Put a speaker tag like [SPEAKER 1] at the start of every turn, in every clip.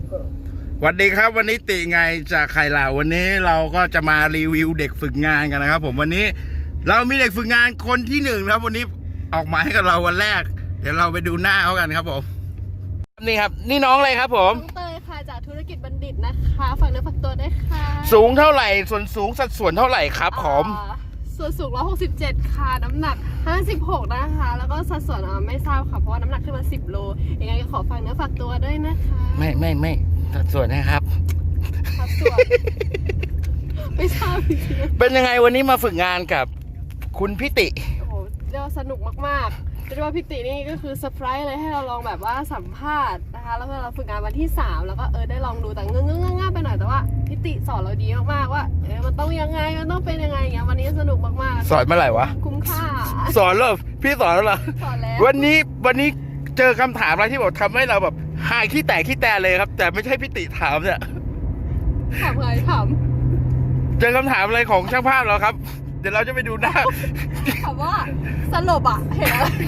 [SPEAKER 1] สวัสดีครับวันนี้ติไงจากไข่เหล่าวันนี้เราก็จะมารีวิวเด็กฝึกงานกันนะครับผมวันนี้เรามีเด็กฝึกงานคนที่หนึ่งครับวันนี้ออกมาให้กับเราวันแรกเดี๋ยวเราไปดูหน้าเขากันครับผมนี่ครับนี่น้องอะไรครับผม
[SPEAKER 2] น้องเตยค่ะจากธุรกิจบัณฑิตนะคะฝากเนื้อฝากตัวด้วยค่ะ
[SPEAKER 1] สูงเท่าไหร่ส่วนสูงสัดส่วนเท่าไหร่ครับผม
[SPEAKER 2] ส่วนสูง167ค่ะน้ำหนัก56นะคะแล้วก็สัดส่วนไม่ทราบค่ะเพราะว่าน้ำหนักขึ้นมา10 โลยังไงก็ขอฝากเนื้อฝากตัวด้วยนะคะ
[SPEAKER 1] ไม่สัดส่วนนะครับ
[SPEAKER 2] สัดส่วนไม่ทราบจริง
[SPEAKER 1] เป็นยังไงวันนี้มาฝึกงานกับคุณพิติ
[SPEAKER 2] โอ้โหเรียกว่าสนุกมากๆเรียกว่าพิตินี่ก็คือเซอร์ไพรส์เลยให้เราลองแบบว่าสัมภาษณ์นะคะแล้วเราฝึกงานวันที่3แล้วก็ได้ลองดูแต่เงื่อนๆไปหน่อยแต่ว่าพิติสอนเราดีมากๆว่ามันต้องยังไงมันต้องเป็นยังไงอย่างเงี้ยวันนี้สนุกมาก
[SPEAKER 1] ๆสอนเมื่อไหร่วะ
[SPEAKER 2] คุ้มค่า
[SPEAKER 1] สอนแล้วพี่สอนแล้วเหรอ
[SPEAKER 2] สอนแล้ว
[SPEAKER 1] วันนี้เจอคำถามอะไรที่บอกทำให้เราแบบหายขี้แตกขี้แตนเลยครับแต่ไม่ใช่พิติถามเนี่ย
[SPEAKER 2] ถามอะไรถาม
[SPEAKER 1] เจอคำถามอะไรของช่างภาพเหรอครับเดี๋ยวเราจะไปดูหน้า
[SPEAKER 2] ถามว่าสลบเห็นอะไร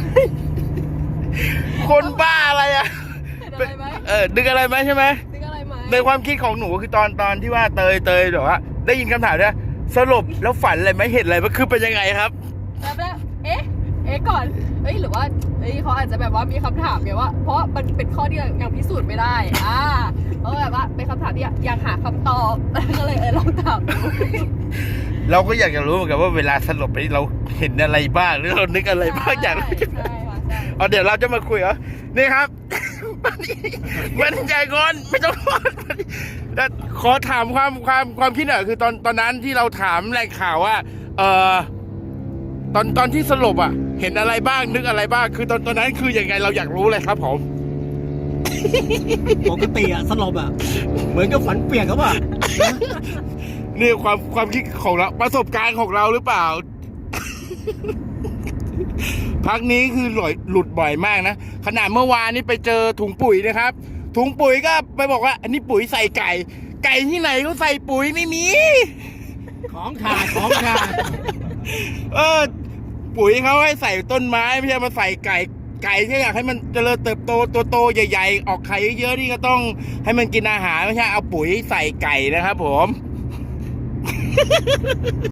[SPEAKER 1] คนบ้าอะไร
[SPEAKER 2] เห็นอะไรไหม
[SPEAKER 1] ดึกอะไรไหมใช่ไหม
[SPEAKER 2] ดึกอะไรไหม
[SPEAKER 1] ในความคิดของหนูคือตอนที่ว่าเตยหรือว่าได้ยินคำถามเนี่ยสลบแล้วฝันอะไรไหมเห็นอะไรมันคือเป็นยังไงครับ
[SPEAKER 2] แล้วก่อนหรือว่าเขาอาจจะแบบว่ามีคำถามไงว่าเพราะมันเป็นข้อที่ยังพิสูจน์ไม่ได้แบบว่าเป็นคำถามที่อยากหาคำตอบก็เลยลองถามดู
[SPEAKER 1] เราก็อยากจะรู้เหมือนกันว่าเวลาสลบไปเราเห็นอะไรบ้างหรือเรานึกอะไรบ้างอย่างเดี๋ยวเราจะมาคุยนี่ครับมันใจก่อนไม่ต้องขอถามความคิดหน่อยคือตอนนั้นที่เราถามแหล่งข่าวว่าตอนที่สลบเห็นอะไรบ้างนึกอะไรบ้างคือตอนนั้นคือยังไงเราอยากรู้เลยครับผม
[SPEAKER 3] ปกติสลบเหมือนกับฝันเปียกครับ
[SPEAKER 1] นี่ความคิดของเราประสบการณ์ของเราหรือเปล่าพักนี้คือหลุดบ่อยมากนะขนาดเมื่อวานนี้ไปเจอถุงปุ๋ยนะครับถุงปุ๋ยก็ไปบอกว่าอันนี้ปุ๋ยใส่ไก่ที่ไหนเขาใส่ปุ๋ยไม่มี
[SPEAKER 3] ของขาด
[SPEAKER 1] ปุ๋ยเขาให้ใส่ต้นไม้ไม่ใช่มาใส่ไก่ที่อยากให้มันเจริญเติบโตตัวโตใหญ่ๆออกไข่เยอะๆนี่ก็ต้องให้มันกินอาหารไม่ใช่เอาปุ๋ยใส่ไก่นะครับผม